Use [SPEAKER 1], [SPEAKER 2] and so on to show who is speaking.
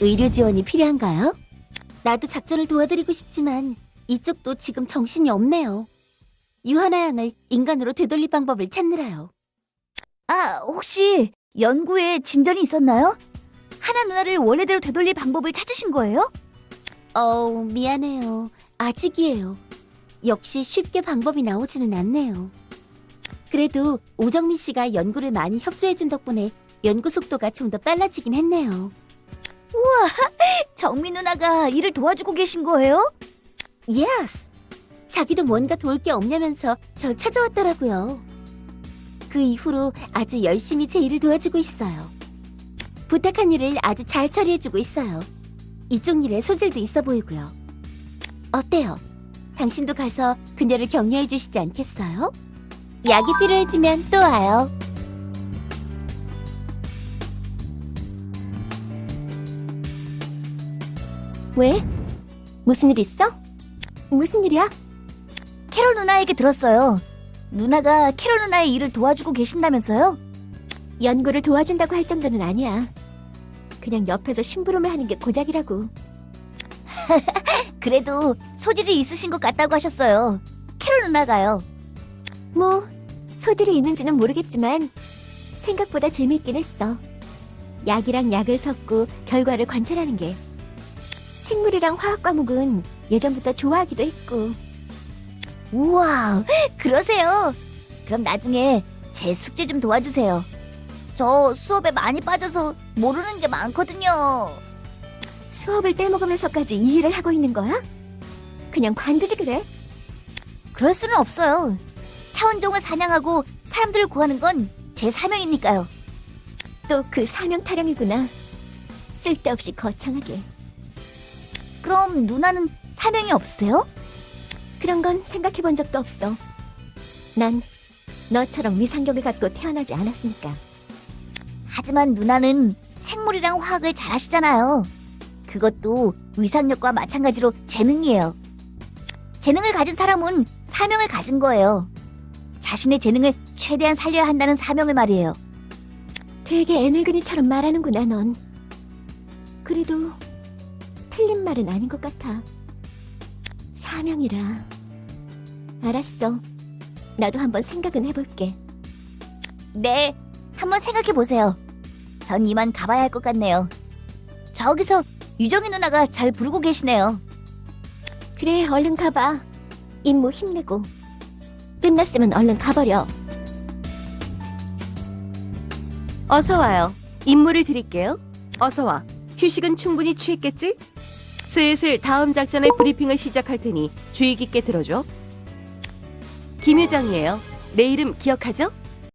[SPEAKER 1] 의료 지원이 필요한가요? 나도 작전을 도와드리고 싶지만 이쪽도 지금 정신이 없네요. 유하나 양을 인간으로 되돌릴 방법을 찾느라요.
[SPEAKER 2] 혹시 연구에 진전이 있었나요? 하나 누나를 원래대로 되돌릴 방법을 찾으신 거예요?
[SPEAKER 1] 미안해요. 아직이에요. 역시 쉽게 방법이 나오지는 않네요. 그래도 오정민 씨가 연구를 많이 협조해준 덕분에 연구 속도가 좀 더 빨라지긴 했네요.
[SPEAKER 2] 정민 누나가 일을 도와주고 계신 거예요?
[SPEAKER 1] 예스! 자기도 뭔가 도울 게 없냐면서 저 찾아왔더라고요. 그 이후로 아주 열심히 제 일을 도와주고 있어요. 부탁한 일을 아주 잘 처리해주고 있어요. 이쪽 일에 소질도 있어 보이고요. 어때요? 당신도 가서 그녀를 격려해 주시지 않겠어요? 약이 필요해지면 또 와요. 왜? 무슨 일 있어? 무슨 일이야?
[SPEAKER 2] 캐롤 누나에게 들었어요. 누나가 캐롤 누나의 일을 도와주고 계신다면서요?
[SPEAKER 1] 연구를 도와준다고 할 정도는 아니야. 그냥 옆에서 심부름을 하는 게 고작이라고.
[SPEAKER 2] 그래도 소질이 있으신 것 같다고 하셨어요. 캐롤 누나가요.
[SPEAKER 1] 뭐 소질이 있는지는 모르겠지만 생각보다 재미있긴 했어. 약이랑 약을 섞고 결과를 관찰하는 게. 생물이랑 화학 과목은 예전부터 좋아하기도 했고.
[SPEAKER 2] 우와, 그러세요? 그럼 나중에 제 숙제 좀 도와주세요. 저 수업에 많이 빠져서 모르는 게 많거든요.
[SPEAKER 1] 수업을 떼먹으면서까지 이 일을 하고 있는 거야? 그냥 관두지 그래?
[SPEAKER 2] 그럴 수는 없어요. 차원종을 사냥하고 사람들을 구하는 건 제 사명이니까요.
[SPEAKER 1] 또 그 사명 타령이구나. 쓸데없이 거창하게.
[SPEAKER 2] 그럼 누나는 사명이 없으세요?
[SPEAKER 1] 그런 건 생각해 본 적도 없어. 난 너처럼 위상경을 갖고 태어나지 않았으니까.
[SPEAKER 2] 하지만 누나는 생물이랑 화학을 잘하시잖아요. 그것도 위상력과 마찬가지로 재능이에요. 재능을 가진 사람은 사명을 가진 거예요. 자신의 재능을 최대한 살려야 한다는 사명을 말이에요.
[SPEAKER 1] 되게 애늙은이처럼 말하는구나, 넌. 그래도 틀린 말은 아닌 것 같아. 사명이라. 알았어. 나도 한번 생각은 해볼게.
[SPEAKER 2] 네, 한번 생각해 보세요. 전 이만 가봐야 할 것 같네요. 저기서 유정이 누나가 잘 부르고 계시네요.
[SPEAKER 1] 그래, 얼른 가봐. 임무 힘내고. 끝났으면 얼른 가버려.
[SPEAKER 3] 어서 와요. 임무를 드릴게요. 어서 와. 휴식은 충분히 취했겠지? 슬슬 다음 작전의 브리핑을 시작할 테니 주의 깊게 들어줘. 김유정이에요. 내 이름 기억하죠?